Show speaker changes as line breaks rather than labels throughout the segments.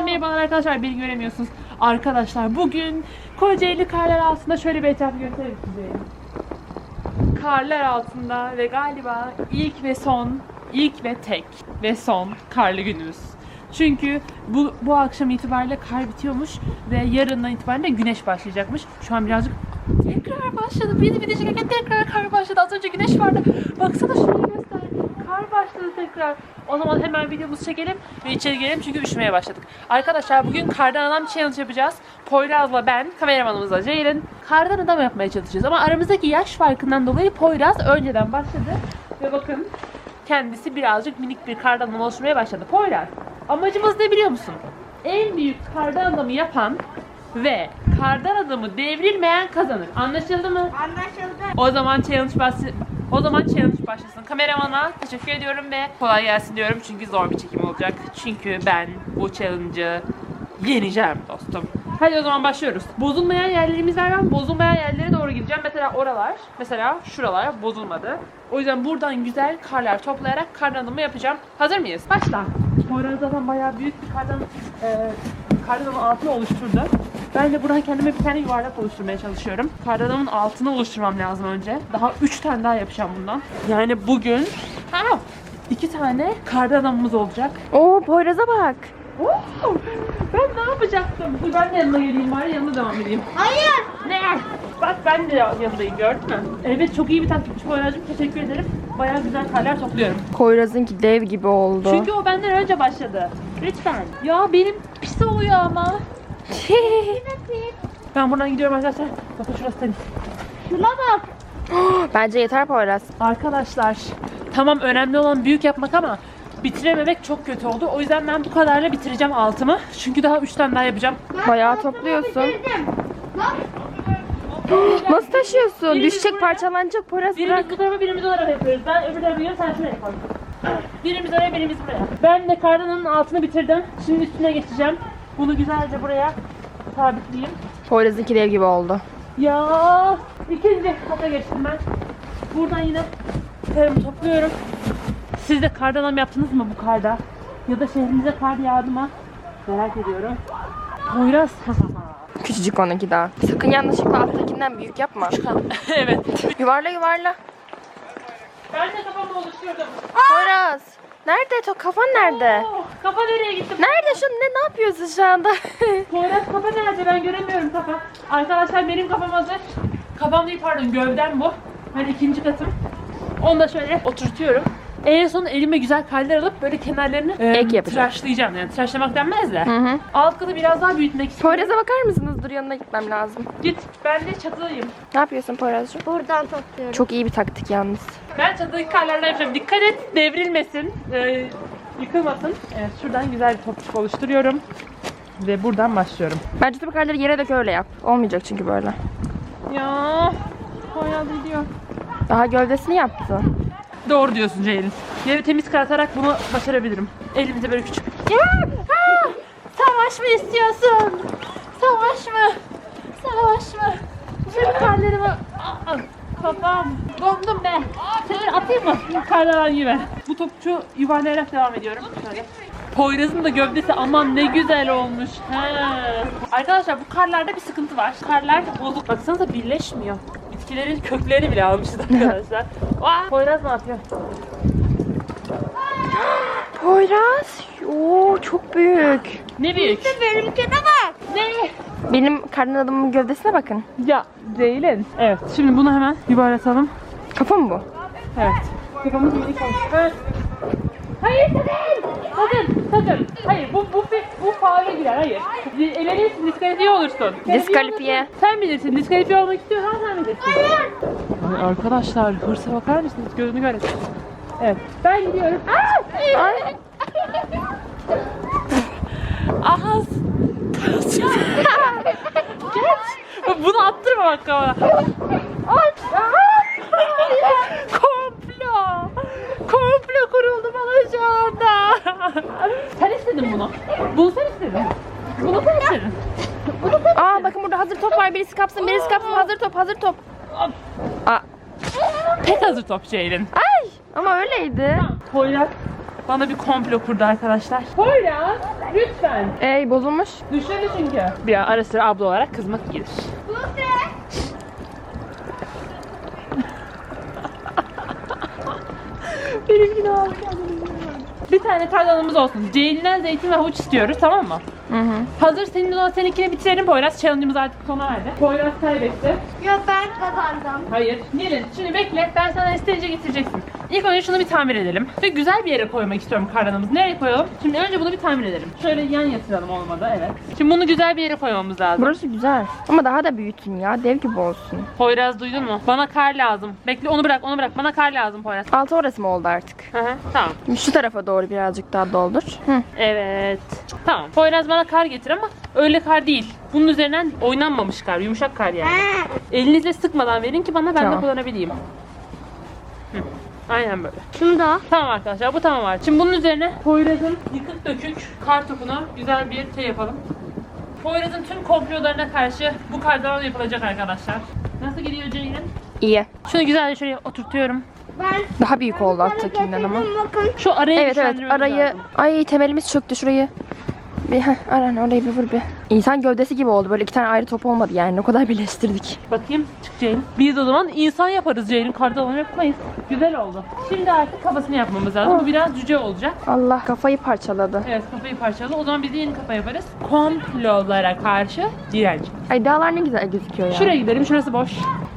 merhabalar arkadaşlar, beni göremiyorsunuz. Arkadaşlar bugün Kocaeli karlar altında şöyle bir etrafı göstereyim size. Karlar altında ve galiba ilk ve tek ve son karlı günümüz. Çünkü bu akşam itibariyle kar bitiyormuş ve yarından itibaren de güneş başlayacakmış. Şu an birazcık tekrar başladı. Bir video çekerken tekrar kar başladı. Az önce güneş vardı. Baksana şurayı göster. Kar başladı tekrar. O zaman hemen videomuzu çekelim ve içeri girelim çünkü üşümeye başladık. Arkadaşlar bugün kardan adam challenge yapacağız. Poyraz'la ben, kameramanımızla Ceylin kardan adam yapmaya çalışacağız. Ama aramızdaki yaş farkından dolayı Poyraz önceden başladı. Ve bakın kendisi birazcık minik bir kardan adam oluşturmaya başladı. Poyraz, amacımız ne biliyor musun? En büyük kardan adamı yapan ve kardan adamı devrilmeyen kazanır. Anlaşıldı mı?
Anlaşıldı.
O zaman challenge başlasın. Kameramana teşekkür ediyorum ve kolay gelsin diyorum çünkü zor bir çekim olacak. Çünkü ben bu challenge'ı yeneceğim dostum. Hadi o zaman başlıyoruz. Bozulmayan yerlerimiz var. Ben bozulmayan yerlere doğru gideceğim. Mesela oralar, mesela şuralar bozulmadı. O yüzden buradan güzel karlar toplayarak kardan adamı yapacağım. Hazır mıyız? Başla. Poyraz zaten bayağı büyük bir kardan adamın altını oluşturdu. Ben de buradan kendime bir tane yuvarlak oluşturmaya çalışıyorum. Kardan adamın altını oluşturmam lazım önce. Daha 3 tane daha yapacağım bundan. Yani bugün 2 tane kardan adamımız olacak.
Oo, Poyraz'a bak.
Oo, ben ne yapacaktım? Dur ben de yanına geleyim bari, yanına devam edeyim.
Hayır.
Ne? Bak ben de yanındayım, gördün mü? Evet, çok iyi bir takipçi Poyraz'cığım, teşekkür ederim. Bayağı güzel karlar topluyorum.
Poyraz'ınki dev gibi oldu.
Çünkü o benden önce başladı. Lütfen. Ya benim pis oluyor ama. Ben buradan gidiyorum arkadaşlar. Bakın şurası temiz.
Şuna bak.
Bence yeter Poyraz.
Arkadaşlar tamam, önemli olan büyük yapmak ama bitirememek çok kötü oldu. O yüzden ben bu kadarla bitireceğim altımı. Çünkü daha 3 tane daha yapacağım.
Bayağı topluyorsun.
Bitirdim. Bak.
Nasıl taşıyorsun?
Birimiz
Düşecek,
buraya-
parçalanacak Poyraz, bırak.
Birimiz bu tarafa, birimiz o tarafa yapıyoruz. Ben öbür tarafa gidiyorum, sen şuraya koy. Birimiz oraya, birimiz buraya. Ben de kardanın altını bitirdim. Şimdi üstüne geçeceğim. Bunu güzelce buraya sabitleyeyim.
Poyraz'ınki dev gibi oldu.
Ya ikinci kata geçtim ben. Buradan yine karımı topluyorum. Siz de kardan adam yaptınız mı bu karda? Ya da şehrinize kar yağdı mı? Merak ediyorum. Poyraz.
Küçücük onunki daha. Sakın yanlışlıkla alttakinden büyük yapma.
Evet.
Yuvarla yuvarla.
Ben de kafamı oluşturdum.
Poyraz. Nerede? Kafan nerede?
Oo, kafa nereye gitti?
Nerede şu ne yapıyorsun şu anda?
Poyraz kafa nerede? Ben göremiyorum kafa. Arkadaşlar benim kafam hazır. Kafam değil, pardon, gövdem bu. Ben ikinci katım. Onu da şöyle oturtuyorum. En son elime güzel kaller alıp böyle kenarlarını
Ek yapacağım.
tıraşlayacağım. Yani tıraşlamak denmez de.
Hı.
Alt katı biraz daha büyütmek istiyorum.
Poyraz'a bakar mısınız? Dur, yanına gitmem lazım.
Git. Ben de çatıdayım.
Ne yapıyorsun Poyraz'cığım?
Buradan topluyorum.
Çok iyi bir taktik yalnız.
Ben çatıdaki karlarla yapacağım. Dikkat et, devrilmesin. Yıkılmasın. Evet, şuradan güzel bir topçuk oluşturuyorum. Ve buradan başlıyorum.
Bence tüm karları yere dök, öyle yap. Olmayacak çünkü böyle.
Ya Poyraz gidiyor.
Daha gövdesini yaptı.
Doğru diyorsun Ceylin. Yeri temiz karatarak bunu başarabilirim. Elimizde böyle küçük. Savaş mı istiyorsun? Savaş mı? Savaş mı? Tüm karlarımı... Kafam. Dondum be. Seni atayım mı? Karlardan gibi. Bu topçu yuvarlayarak devam ediyorum. Şöyle. Poyraz'ın da gövdesi aman ne güzel olmuş. He. Arkadaşlar bu karlarda bir sıkıntı var. Karlar bozuk. Baksanıza birleşmiyor. Bitkilerin köklerini bile almışız arkadaşlar. Vay. Poyraz ne yapıyor?
Poyraz. Oo, çok büyük.
Ne büyük?
Benimkine bak.
Ne?
Benim karnın adamın gövdesine bakın.
Ya Ceylin. Evet. Şimdi bunu hemen yuvarlatalım.
Kafa mı bu?
Evet. Kafamız minik olmuş. Evet. Hayır sakın! Sakın! Hayır, bu faule girer, hayır. Elenirsin, diskalifiye olursun.
Diskalifiye.
olursun. Sen bilirsin, diskalifiye olmak istiyorsan sen bilirsin. Hayır! Ay arkadaşlar, hırsa bakar mısınız? Gözünü görelim. Evet, ben gidiyorum.
Ay.
Ahaz! Geç! Bunu attırma bak kafana. Komplo kuruldu bana şu anda. Sen istedin bunu. Bunu sen istedin. Bunu sen istedin.
Aa, bakın burada hazır top var. Birisi kapsın, birisi kapsın. Hazır top, hazır top. Aa.
Pek hazır top Ceylin.
Ay, ama öyleydi.
Poyraz bana bir komplo kurdu arkadaşlar. Poyraz lütfen.
Ey bozulmuş.
Düşene çünkü. Bir ara sıra abla olarak kızmak gelir. Benimkini aldık. Bir tane kardanımız olsun. Ceylin'den zeytin ve havuç istiyoruz, tamam mı?
Hı hı.
Hazır, senin olan seninkini bitirelim Poyraz. Challenge'ımız artık sona erdi. Poyraz kaybetti.
Yok ben kazandım.
Hayır. Gelin şimdi bekle. Ben sana isteyince getireceksin. İlk önce şunu bir tamir edelim. Ve güzel bir yere koymak istiyorum kardanımızı. Nereye koyalım? Şimdi önce bunu bir tamir edelim. Şöyle yan yatıralım, olmadı, evet. Şimdi bunu güzel bir yere koymamız lazım.
Burası güzel. Ama daha da büyütün ya. Dev gibi olsun.
Poyraz duydun mu? Bana kar lazım. Bekle, onu bırak, onu bırak. Bana kar lazım Poyraz.
Altı orası mı oldu artık?
Hı hı. Tamam.
Şimdi şu tarafa doğru birazcık daha doldur. Hı.
Evet. Tamam. Poyraz bana kar getir ama öyle kar değil. Bunun üzerinden oynanmamış kar. Yumuşak kar yani. Elinizle sıkmadan verin ki bana, ben de
Tamam.
kullanabileyim. Hı. Aynen böyle.
Şunu da.
Tamam arkadaşlar, bu tamam artık. Şimdi bunun üzerine Poyraz'ın yıkık dökük kar topunu güzel bir şey yapalım. Poyraz'ın tüm komplolarına karşı bu kardan yapılacak arkadaşlar. Nasıl gidiyor Ceylin?
İyi.
Şunu güzelce şuraya oturtuyorum.
Ben
Daha büyük oldu alttakinden ama.
bakın.
Şu arayı
Evet evet
güçlendirmemiz
arayı.
lazım.
Ay temelimiz çöktü şurayı. Bir Aran orayı bir vur bir. İnsan gövdesi gibi oldu. Böyle iki tane ayrı top olmadı yani. O kadar birleştirdik.
Bakayım, çık Ceylin. Biz o zaman insan yaparız Ceylin. Kardan yapmayız. Güzel oldu. Şimdi artık kafasını yapmamız lazım. Bu biraz cüce olacak.
Allah kafayı parçaladı.
Evet, kafayı parçaladı. O zaman biz de yeni kafa yaparız. Komplolara karşı direnç.
Ay dağlar ne güzel gözüküyor ya.
Şuraya gidelim. Şurası boş.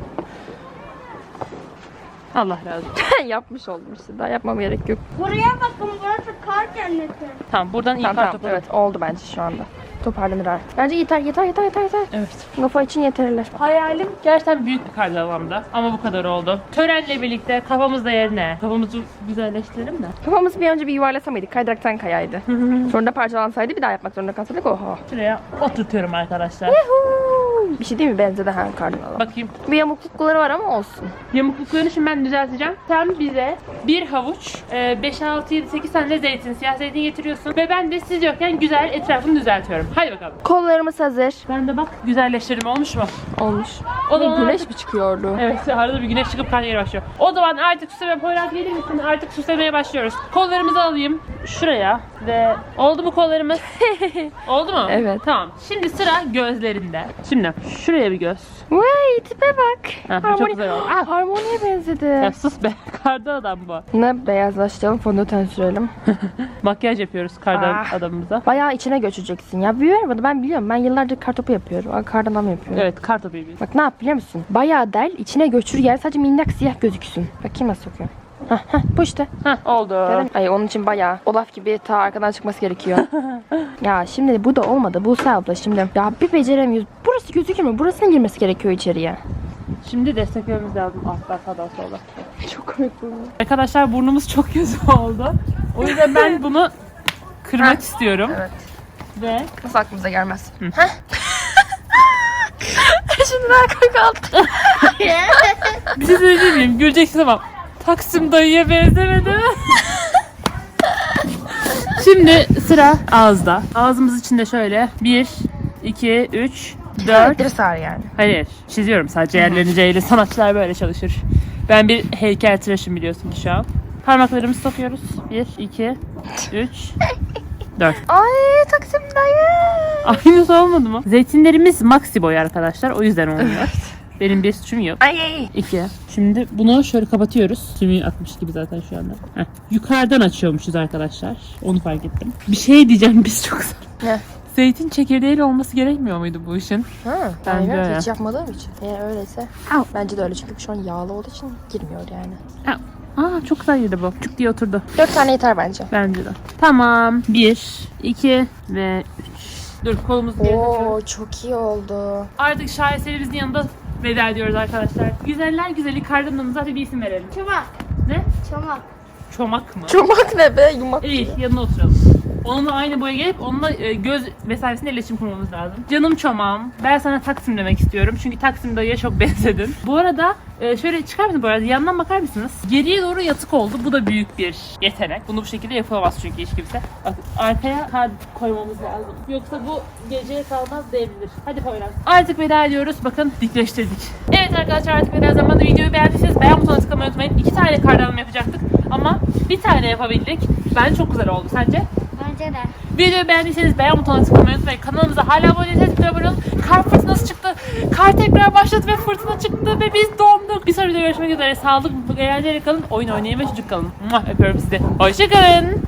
Allah razı olsun.
Yapmış oldum işte. Daha yapmam gerek yok.
Buraya bakın, burası kar cenneti.
Tamam, buradan iyi
Tamam
kar
tamam.
topu.
Evet oldu bence şu anda. Toparlanır artık. Bence yeter.
Evet.
Kafa için yeterler.
Hayalim gerçekten büyük bir kardalamda. Ama bu kadar oldu. Törenle birlikte kafamız da yerine. Kafamızı güzelleştirelim de.
Kafamızı bir önce bir yuvarlasa mıydık? Kaydıraktan kayaydı. Sonra da parçalansaydı bir daha yapmak zorunda kalsaydık. Oha.
Şuraya oturtuyorum arkadaşlar.
Bir şey değil mi? Benzedi ha kardinala.
Bakayım.
Bir yamuklukları var ama olsun.
Yamukluklarını şimdi ben düzelteceğim. Sen bize bir havuç, 5, 6, 7, 8 tane de zeytin, siyah zeytin getiriyorsun. Ve ben de siz yokken güzel etrafını düzeltiyorum. Hadi bakalım.
Kollarımız hazır.
Ben de bak, güzelleştirdim, olmuş mu?
Olmuş.
O zaman
Güneş
artık-
mi çıkıyordu?
Evet, arada bir güneş çıkıp kar yeri başlıyor. O zaman artık süsleme, Poyraz gelir misin? Artık süslemeye başlıyoruz. Kollarımızı alayım şuraya ve oldu mu kollarımız? Oldu mu?
Evet.
Tamam. Şimdi sıra gözlerinde. Şimdi şuraya bir göz.
Vay tipe bak.
Ha, bu çok güzel oldu. Ah!
Harmoniye benzedi.
Ya sus be. Kardan adam bu.
Ne beyazlaştıralım, fondöten sürelim.
Makyaj yapıyoruz kardan
Ah.
adamımıza.
Bayağı içine göçeceksin ya. Biliyorum ben biliyorum. Ben yıllardır kartopu yapıyorum. Kardan adam yapıyorum.
Evet, kar topu yapıyoruz.
Bak ne yap biliyor musun? Bayağı del, içine göçür yer sadece minnak siyah gözüksün. Bakayım nasıl sokuyor. Hah bu işte.
Heh, oldu.
Ay onun için bayağı Olaf gibi ta arkadan çıkması gerekiyor. Ya şimdi bu da olmadı. Buse abla şimdi. Ya bir beceremiyoruz. Burası gözükür mü? Burasının girmesi gerekiyor içeriye.
Şimdi desteklememiz lazım. Alttan sağdan solda.
Çok komik bu.
Arkadaşlar burnumuz çok kötü oldu. O yüzden ben bunu kırmak istiyorum.
Evet.
Ve
Nasıl aklımıza gelmez? Heh. Şimdi daha koy kaldı.
bir şey söyleyeyim miyim? Güleceksin ama Taksim dayıya benzemedi mi? Şimdi sıra ağızda. Ağzımız içinde şöyle 1, 2, 3, 4.
Bir sar yani.
Hayır, çiziyorum sadece yerlerini Ceylin. Sanatçılar böyle çalışır. Ben bir heykeltıraşım biliyorsun şu an. Parmaklarımızı sokuyoruz. 1, 2, 3, 4.
Ay Taksim dayı.
Aynısı olmadı mı? Zeytinlerimiz maxi boy arkadaşlar. O yüzden olmuyor. Benim bir suçum yok.
Ay.
2. Şimdi bunu şöyle kapatıyoruz. Sümüğü atmış gibi zaten şu anda. Heh. Yukarıdan açıyormuşuz arkadaşlar. Onu fark ettim. Bir şey diyeceğim, biz çok
Ne?
zeytin çekirdeğiyle olması gerekmiyor muydu bu işin?
Ha,
Bence
ben
öyle.
hiç yapmadığım için. Eğer öyleyse bence de öyle çünkü şu an yağlı olduğu için girmiyor yani.
Aa, çok güzel yedi bu. Çuk diye oturdu.
4 tane yeter bence.
Bence de. Tamam. 1, 2 ve 3. Dur, kolumuzu geri takıyorum.
Oo çok iyi oldu.
Artık şaheserimizin yanında veda ediyoruz arkadaşlar. Güzeller güzeli kardanımıza hadi bir isim verelim.
Çomak.
Ne?
Çomak.
Çomak mı?
Çomak ne be yumak.
İyi, yanına oturalım. Onunla aynı boya gelip onunla göz vesairesinde iletişim kurmamız lazım. Canım çomağım, ben sana Taksim demek istiyorum. Çünkü Taksim dayıya çok benzedin. Bu arada şöyle çıkar mısın bu arada? Yandan bakar mısınız? Geriye doğru yatık oldu. Bu da büyük bir yetenek. Bunu bu şekilde yapamaz çünkü hiç kimse. Bak, arkaya kar koymamız lazım. Yoksa bu geceye kalmaz devrilir. Hadi Poyraz. Artık veda ediyoruz. Bakın dikleştirdik. Evet arkadaşlar, artık veda zamanı. Videoyu beğendiyseniz beğen butonuna tıklamayı unutmayın. 2 tane kardanım yapacaktık. Ama bir tane yapabildik. Bence çok güzel oldu. Sence?
Bence de.
Videoyu beğendiyseniz beğen butonuna tıklamayı unutmayın. Kanalımıza hala abone değilseniz tıklayın abone olun. Kar fırtınası çıktı. Kar tekrar başladı ve fırtına çıktı ve biz donduk. Bir sonraki videoda görüşmek üzere. Sağlıklı, eğlenceli kalın. Oyun oynayın ve çocuk kalın. Öpüyorum sizi. Hoşçakalın.